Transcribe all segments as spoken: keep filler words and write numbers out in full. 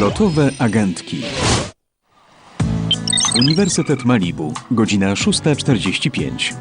Lotowe agentki. Uniwersytet Malibu, godzina szósta czterdzieści pięć.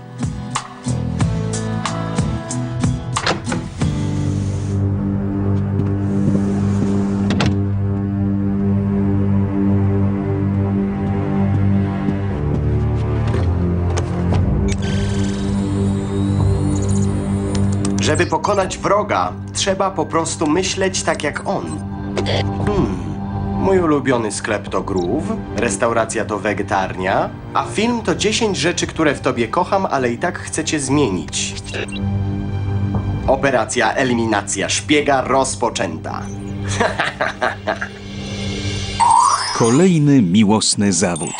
Żeby pokonać wroga, trzeba po prostu myśleć tak jak on. Hmm. Mój ulubiony sklep to Groove, restauracja to Wegetarnia, a film to dziesięć rzeczy, które w tobie kocham, ale i tak chcę cię zmienić. Operacja Eliminacja Szpiega rozpoczęta. Kolejny miłosny zawód.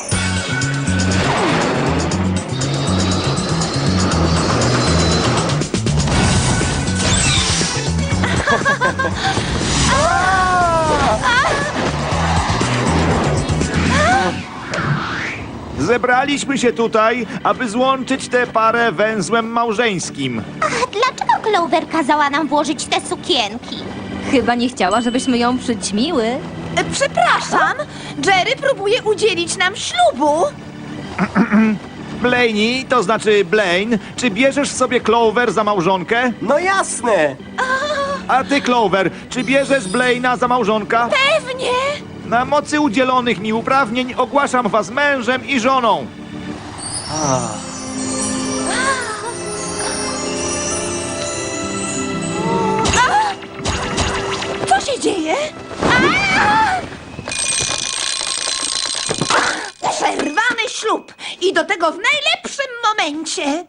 Zebraliśmy się tutaj, aby złączyć tę parę węzłem małżeńskim. A dlaczego Clover kazała nam włożyć te sukienki? Chyba nie chciała, żebyśmy ją przyćmiły. E, Przepraszam, Jerry próbuje udzielić nam ślubu. Blaney, to znaczy Blaine, czy bierzesz sobie Clover za małżonkę? No jasne! A ty, Clover, czy bierzesz Blaina za małżonka? Pewnie. Na mocy udzielonych mi uprawnień ogłaszam was mężem i żoną. Co się dzieje? Przerwany ślub i do tego w najlepszym momencie.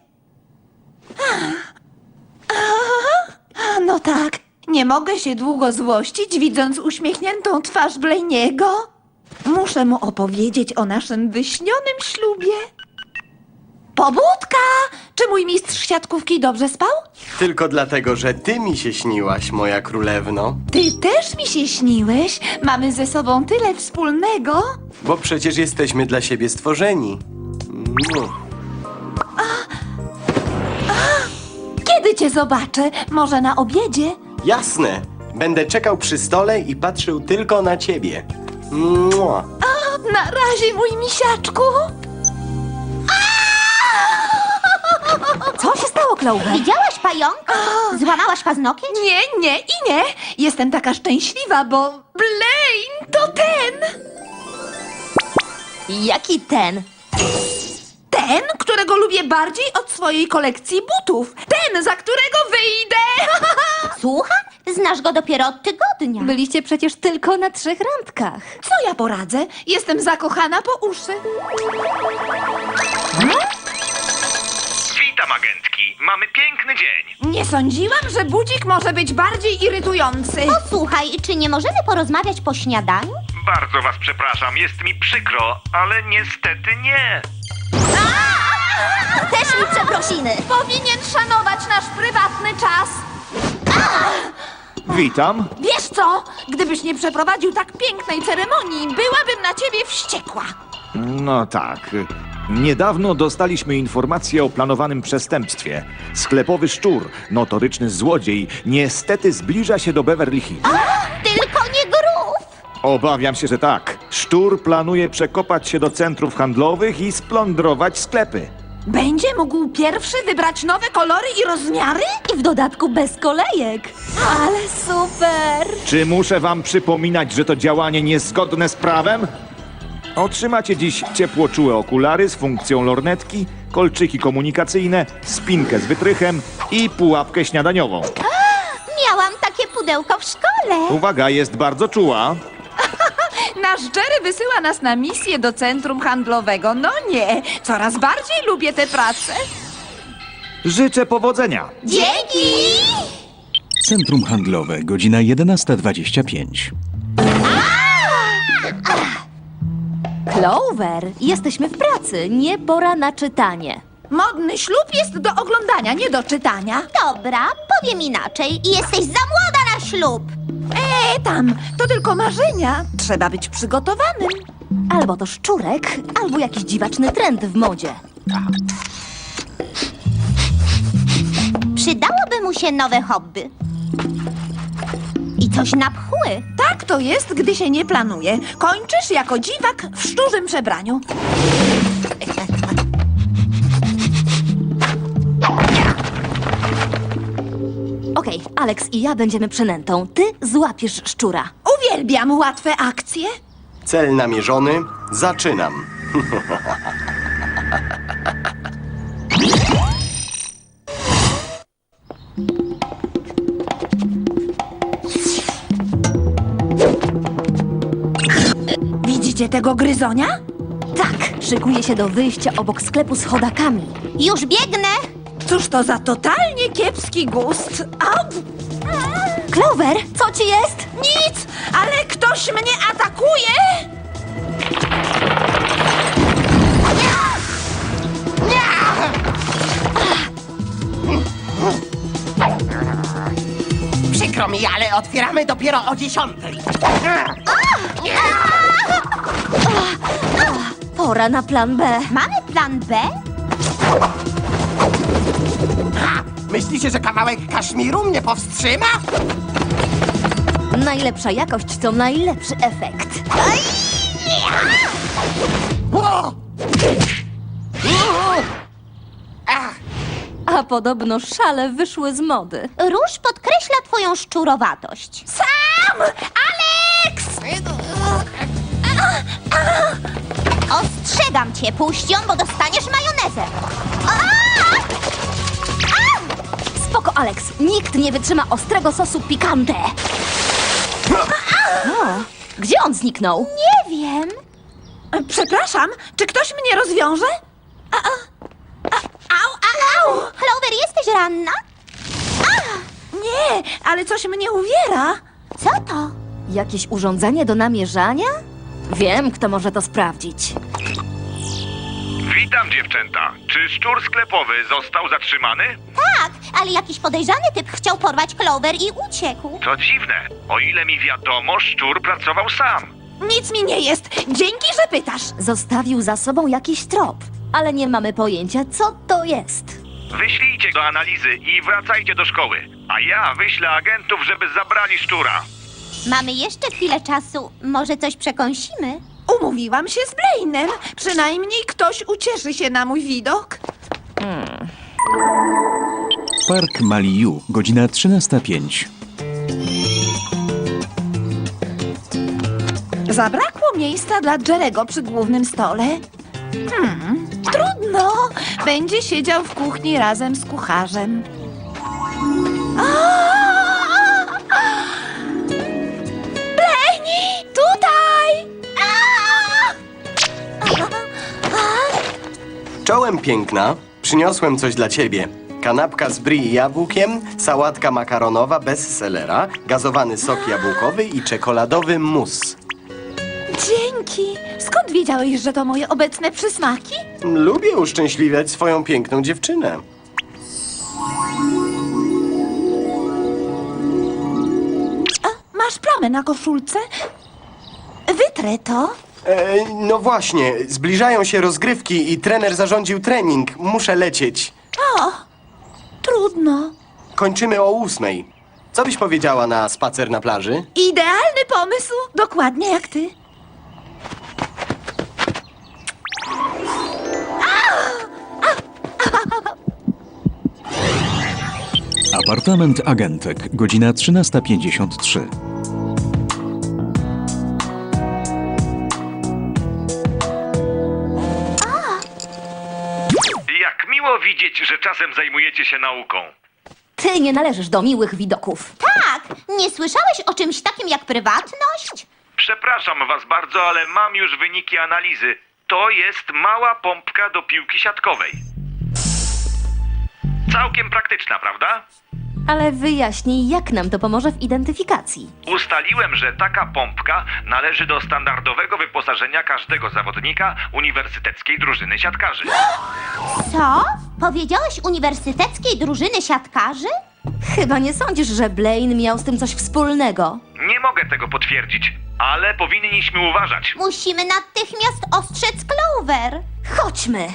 A, no tak, nie mogę się długo złościć, widząc uśmiechniętą twarz Blainiego. Muszę mu opowiedzieć o naszym wyśnionym ślubie. Pobudka! Czy mój mistrz siatkówki dobrze spał? Tylko dlatego, że ty mi się śniłaś, moja królewno. Ty też mi się śniłeś. Mamy ze sobą tyle wspólnego. Bo przecież jesteśmy dla siebie stworzeni. Mm. Kiedy cię zobaczę? Może na obiedzie? Jasne! Będę czekał przy stole i patrzył tylko na ciebie. Mua. Na razie, mój misiaczku. Co się stało, Clover? Widziałaś pająka? Złamałaś paznokieć? Nie, nie i nie. Jestem taka szczęśliwa, bo Blaine to ten. Jaki ten? Ten, którego lubię bardziej od swojej kolekcji butów. Ten, za którego wyjdę. Słucham? Znasz go dopiero od tygodnia. Byliście przecież tylko na trzech randkach. Co ja poradzę? Jestem zakochana po uszy. Witam, agentki. Mamy piękny dzień. Nie sądziłam, że budzik może być bardziej irytujący. Posłuchaj, czy nie możemy porozmawiać po śniadaniu? Bardzo was przepraszam, jest mi przykro, ale niestety nie. Też mi przeprosiny. Powinien szanować nasz prywatny czas. Witam. Wiesz co? Gdybyś nie przeprowadził tak pięknej ceremonii, byłabym na ciebie wściekła. No tak. Niedawno dostaliśmy informację o planowanym przestępstwie. Sklepowy szczur, notoryczny złodziej, niestety zbliża się do Beverly Hills. Tylko nie grów. Obawiam się, że tak. Szczur planuje przekopać się do centrów handlowych i splądrować sklepy. Będzie mógł pierwszy wybrać nowe kolory i rozmiary? I w dodatku bez kolejek. Ale super! Czy muszę wam przypominać, że to działanie niezgodne z prawem? Otrzymacie dziś ciepłoczułe okulary z funkcją lornetki, kolczyki komunikacyjne, spinkę z wytrychem i pułapkę śniadaniową. Miałam takie pudełko w szkole. Uwaga, jest bardzo czuła. Nasz Jerry wysyła nas na misję do centrum handlowego. No nie, coraz bardziej lubię tę pracę. Życzę powodzenia. Dzięki! Centrum handlowe, godzina jedenasta dwadzieścia pięć. Clover, jesteśmy w pracy, nie pora na czytanie. Modny ślub jest do oglądania, nie do czytania. Dobra, powiem inaczej. Jesteś za młoda na ślub. E, tam, to tylko marzenia. Trzeba być przygotowanym. Albo to szczurek, albo jakiś dziwaczny trend w modzie. Przydałoby mu się nowe hobby. I coś na pchły. Tak, tak to jest, gdy się nie planuje. Kończysz jako dziwak w szczurzym przebraniu. Okej, Alex i ja będziemy przynętą. Ty złapiesz szczura. Uwielbiam łatwe akcje. Cel namierzony. Zaczynam. Widzicie tego gryzonia? Tak, szykuje się do wyjścia obok sklepu z chodakami. Już biegnę! Cóż to za totalnie kiepski gust. Au! Clover, co ci jest? Nic, ale ktoś mnie atakuje! Przykro mi, ale otwieramy dopiero o dziesiątej. Pora na plan B. Mamy plan B? Ha! Myślicie, że kawałek kaszmiru mnie powstrzyma? Najlepsza jakość to najlepszy efekt. O! Ach, A podobno szale wyszły z mody. Róż podkreśla twoją szczurowatość. Sam! Alex! Ostrzegam cię, puść ją, bo dostaniesz majonezem. Spoko, Alex. Nikt nie wytrzyma ostrego sosu pikante. O, gdzie on zniknął? Nie wiem. Przepraszam, czy ktoś mnie rozwiąże? A, a, a, au, au, au! Clover, jesteś ranna? Nie, ale coś mnie uwiera. Co to? Jakieś urządzenie do namierzania? Wiem, kto może to sprawdzić. Witam, dziewczęta. Czy szczur sklepowy został zatrzymany? Tak, ale jakiś podejrzany typ chciał porwać Clover i uciekł. To dziwne. O ile mi wiadomo, szczur pracował sam. Nic mi nie jest. Dzięki, że pytasz. Zostawił za sobą jakiś trop, ale nie mamy pojęcia, co to jest. Wyślijcie do analizy i wracajcie do szkoły. A ja wyślę agentów, żeby zabrali szczura. Mamy jeszcze chwilę czasu. Może coś przekąsimy? Umówiłam się z Blainem. Przynajmniej ktoś ucieszy się na mój widok. Park Maliu, godzina trzynasta pięć. Zabrakło miejsca dla Jerego przy głównym stole. Hmm, trudno. Będzie siedział w kuchni razem z kucharzem. Blaine, tutaj! Czołem piękna. Przyniosłem coś dla ciebie. Kanapka z brie i jabłkiem, sałatka makaronowa bez selera, gazowany sok jabłkowy i czekoladowy mus. Dzięki. Skąd wiedziałeś, że to moje obecne przysmaki? Lubię uszczęśliwiać swoją piękną dziewczynę. A, masz plamę na koszulce? Wytrę to. E, no właśnie, zbliżają się rozgrywki i trener zarządził trening. Muszę lecieć. O, trudno. Kończymy o ósmej. Co byś powiedziała na spacer na plaży? Idealny pomysł. Dokładnie jak ty. Apartament agentek, godzina trzynasta pięćdziesiąt trzy. Jak miło widzieć, że czasem zajmujecie się nauką. Ty nie należysz do miłych widoków. Tak, nie słyszałeś o czymś takim jak prywatność? Przepraszam was bardzo, ale mam już wyniki analizy. To jest mała pompka do piłki siatkowej. Całkiem praktyczna, prawda? Ale wyjaśnij, jak nam to pomoże w identyfikacji. Ustaliłem, że taka pompka należy do standardowego wyposażenia każdego zawodnika uniwersyteckiej drużyny siatkarzy. Co? Powiedziałeś uniwersyteckiej drużyny siatkarzy? Chyba nie sądzisz, że Blaine miał z tym coś wspólnego. Nie mogę tego potwierdzić, ale powinniśmy uważać. Musimy natychmiast ostrzec Clover. Chodźmy!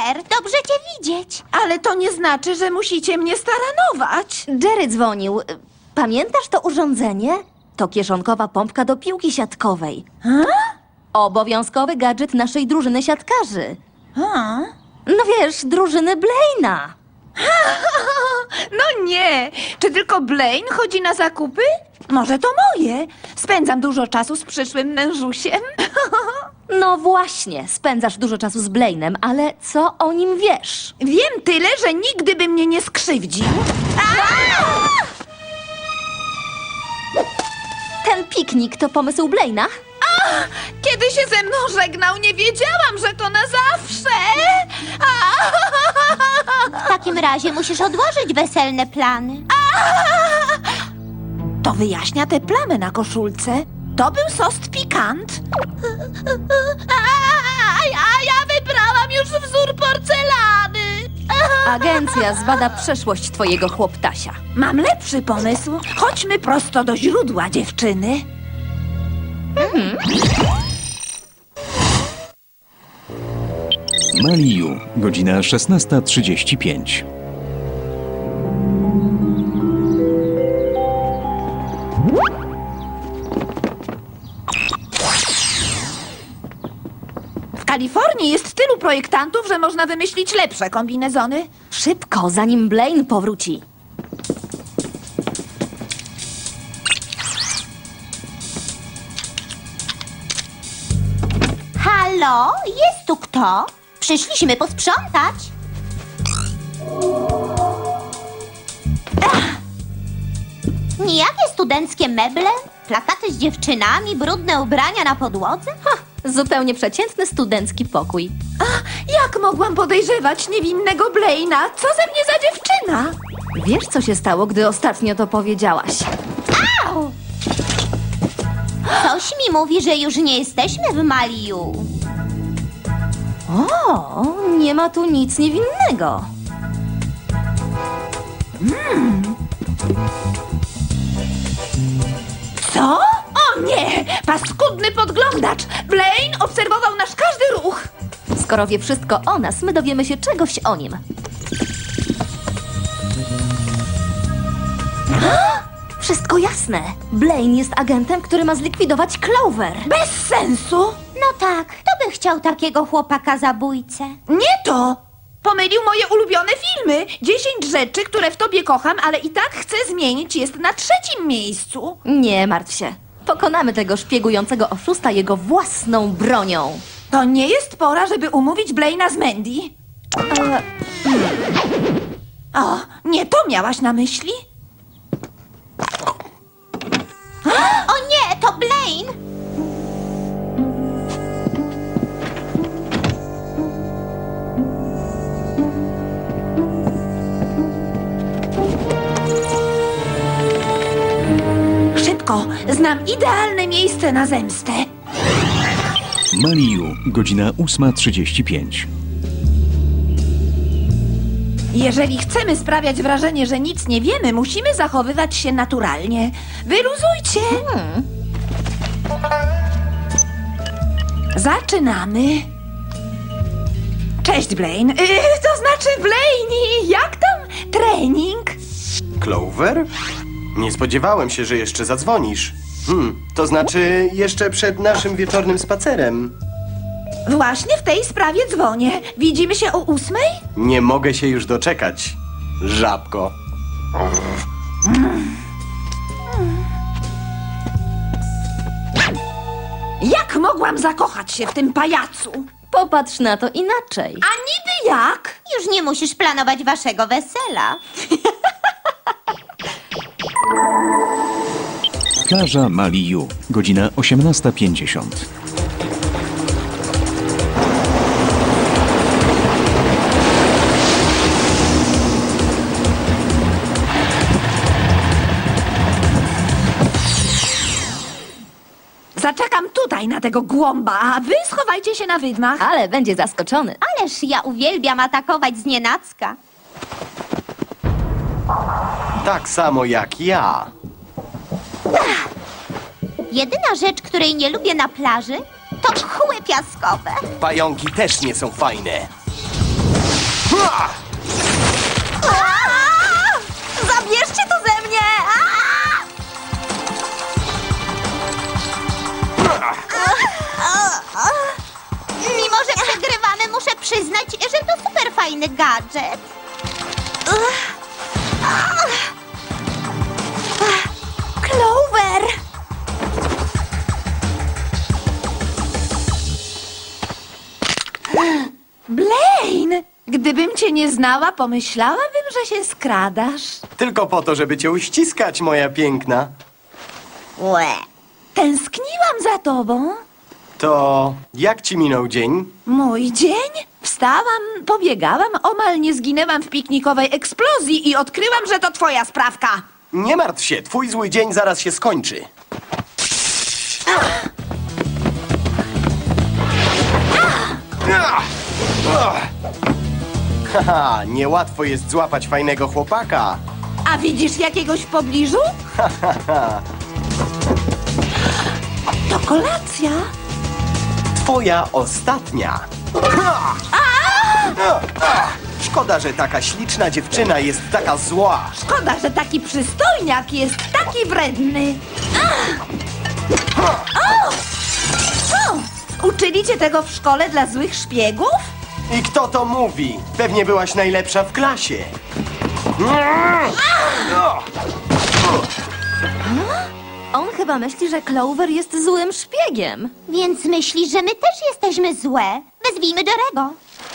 Super, dobrze cię widzieć. Ale to nie znaczy, że musicie mnie staranować. Jerry dzwonił. Pamiętasz to urządzenie? To kieszonkowa pompka do piłki siatkowej. Obowiązkowy gadżet naszej drużyny siatkarzy. A? No wiesz, drużyny Blaina. No nie! Czy tylko Blaine chodzi na zakupy? Może to moje. Spędzam dużo czasu z przyszłym mężusiem. No właśnie, spędzasz dużo czasu z Blainem, ale co o nim wiesz? Wiem tyle, że nigdy by mnie nie skrzywdził. Ten piknik to pomysł Blaina? Kiedy się ze mną żegnał, nie wiedziałam, że to na zawsze. W takim razie musisz odłożyć weselne plany. To wyjaśnia te plamy na koszulce. To był sos pikant. A ja, ja wybrałam już wzór porcelany. Agencja zbada przeszłość twojego chłoptasia. Mam lepszy pomysł. Chodźmy prosto do źródła, dziewczyny. Maliu, godzina szesnasta trzydzieści pięć. W Kalifornii jest tylu projektantów, że można wymyślić lepsze kombinezony. Szybko, zanim Blaine powróci. Halo, jest tu kto? Przyszliśmy posprzątać. Ach. Nijakie studenckie meble, plakaty z dziewczynami, brudne ubrania na podłodze. Ha, zupełnie przeciętny studencki pokój. Jak mogłam podejrzewać niewinnego Blaina? Co ze mnie za dziewczyna? Wiesz, co się stało, gdy ostatnio to powiedziałaś? Au! Coś mi mówi, że już nie jesteśmy w Maliu. O, nie ma tu nic niewinnego. Co? O nie! Paskudny podglądacz! Blaine obserwował nasz każdy ruch. Skoro wie wszystko o nas, my dowiemy się czegoś o nim. Wszystko jasne. Blaine jest agentem, który ma zlikwidować Clover. Bez sensu. No tak, kto by chciał takiego chłopaka zabójcę? Nie to! Pomylił moje ulubione filmy. Dziesięć rzeczy, które w tobie kocham, ale i tak chcę zmienić, jest na trzecim miejscu. Nie martw się. Pokonamy tego szpiegującego oszusta jego własną bronią. To nie jest pora, żeby umówić Blaina z Mandy. E, O, nie to miałaś na myśli? O nie, to Blaine! Szybko, znam idealne miejsce na zemstę. Maliu, godzina ósma trzydzieści pięć. Jeżeli chcemy sprawiać wrażenie, że nic nie wiemy, musimy zachowywać się naturalnie. Wyluzujcie. Zaczynamy. Cześć, Blaine. Yy, to znaczy, Blaine, jak tam trening? Clover? Nie spodziewałem się, że jeszcze zadzwonisz. Hmm, to znaczy jeszcze przed naszym wieczornym spacerem. Właśnie w tej sprawie dzwonię. Widzimy się o ósmej? Nie mogę się już doczekać. Żabko. Jak mogłam zakochać się w tym pajacu? Popatrz na to inaczej. A niby jak? Już nie musisz planować waszego wesela. Plaża Maliu, godzina osiemnasta pięćdziesiąt. Zaczekam tutaj na tego głąba, a wy schowajcie się na wydmach. Ale będzie zaskoczony. Ależ ja uwielbiam atakować znienacka. Tak samo jak ja. Jedyna rzecz, której nie lubię na plaży, to mchły piaskowe. Pająki też nie są fajne. fajny gadżet. Ugh. Ach. Ach. Clover! Blaine! Gdybym cię nie znała, pomyślałabym, że się skradasz. Tylko po to, żeby cię uściskać, moja piękna. Łe. Tęskniłam za tobą. To jak ci minął dzień? Mój dzień? Wstałam, pobiegałam, omal nie zginęłam w piknikowej eksplozji i odkryłam, że to twoja sprawka. Nie martw się, twój zły dzień zaraz się skończy. Haha, niełatwo jest złapać fajnego chłopaka. A widzisz jakiegoś w pobliżu? To kolacja. Twoja ostatnia. Szkoda, że taka śliczna dziewczyna jest taka zła. Szkoda, że taki przystojniak jest taki wredny. O! Co? Uczyli cię tego w szkole dla złych szpiegów? I kto to mówi? Pewnie byłaś najlepsza w klasie. On chyba myśli, że Clover jest złym szpiegiem. Więc myśli, że my też jesteśmy złe. Wezwijmy Jerego.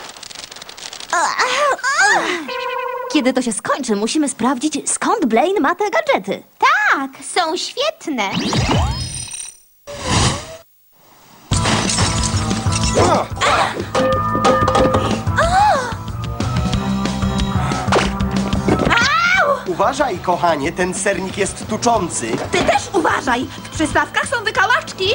Kiedy to się skończy, musimy sprawdzić, skąd Blaine ma te gadżety. Tak, są świetne. Uważaj, kochanie, ten sernik jest tuczący. Ty też uważaj! W przystawkach są wykałaczki!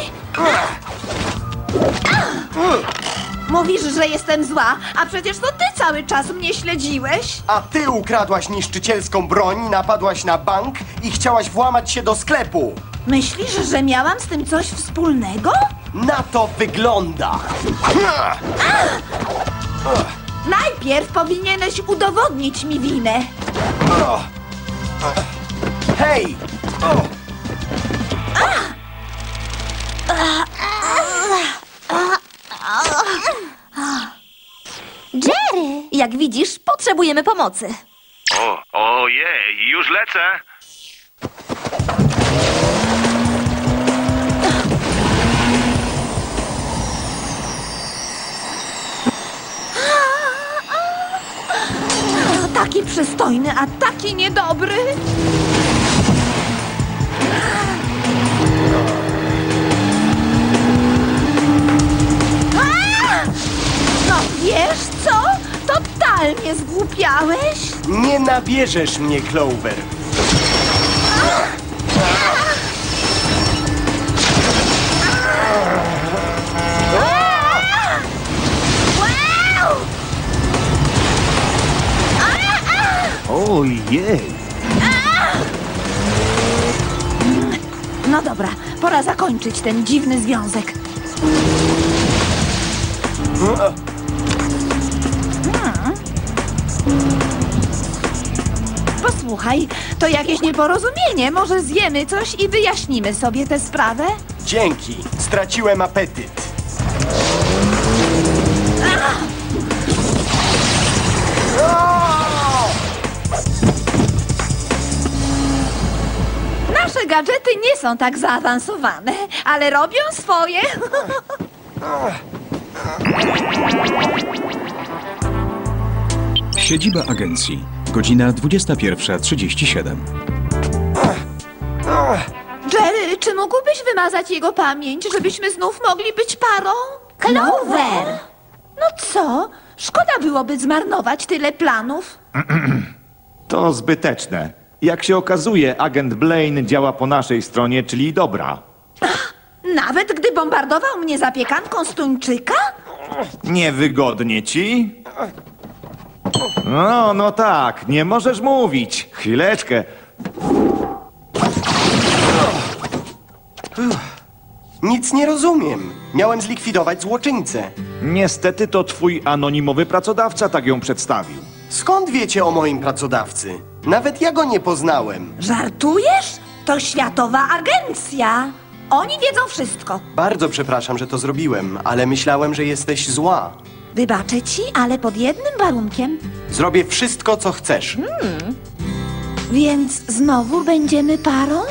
Mówisz, że jestem zła, a przecież to ty cały czas mnie śledziłeś. A ty ukradłaś niszczycielską broń, napadłaś na bank i chciałaś włamać się do sklepu. Myślisz, że miałam z tym coś wspólnego? Na to wygląda. Najpierw powinieneś udowodnić mi winę. Hej! O! Jerry! Jak widzisz, potrzebujemy pomocy. O, ojej, już lecę. Taki przystojny, a taki niedobry. A! No wiesz co? Totalnie zgłupiałeś. Nie nabierzesz mnie, Clover. Wow! Ojej! No dobra, pora zakończyć ten dziwny związek. Hmm. Posłuchaj, to jakieś nieporozumienie. Może zjemy coś i wyjaśnimy sobie tę sprawę? Dzięki, straciłem apetyt. Nasze gadżety nie są tak zaawansowane, ale robią swoje. Siedziba agencji. Godzina dwudziesta pierwsza trzydzieści siedem. Jerry, czy mógłbyś wymazać jego pamięć, żebyśmy znów mogli być parą? Clover! No co? Szkoda byłoby zmarnować tyle planów. To zbyteczne. Jak się okazuje, agent Blaine działa po naszej stronie, czyli dobra. Nawet gdy bombardował mnie zapiekanką z tuńczyka? Niewygodnie ci? No, no tak, nie możesz mówić. Chwileczkę. Nic nie rozumiem. Miałem zlikwidować złoczyńcę. Niestety to twój anonimowy pracodawca tak ją przedstawił. Skąd wiecie o moim pracodawcy? Nawet ja go nie poznałem. Żartujesz? To światowa agencja. Oni wiedzą wszystko. Bardzo przepraszam, że to zrobiłem, ale myślałem, że jesteś zła. Wybaczę ci, ale pod jednym warunkiem. Zrobię wszystko, co chcesz. Więc znowu będziemy parą?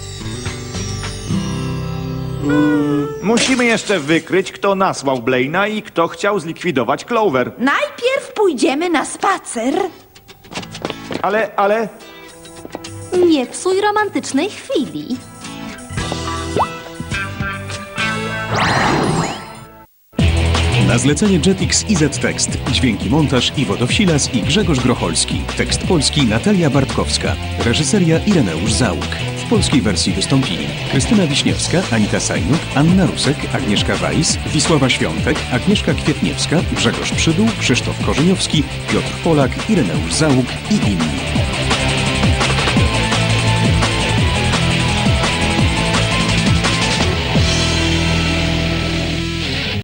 Musimy jeszcze wykryć, kto nasłał Blaina i kto chciał zlikwidować Clover. Najpierw pójdziemy na spacer. Ale, ale... Nie psuj romantycznej chwili. Na zlecenie Jetix i Z-Tekst. Dźwięki montaż Iwo Dowsilas i Grzegorz Grocholski. Tekst polski Natalia Bartkowska. Reżyseria Ireneusz Załuk. W polskiej wersji wystąpili Krystyna Wiśniewska, Anita Sajnuk, Anna Rusek, Agnieszka Weiss, Wisława Świątek, Agnieszka Kwietniewska, Grzegorz Przydół, Krzysztof Korzeniowski, Piotr Polak, Ireneusz Załuk i inni.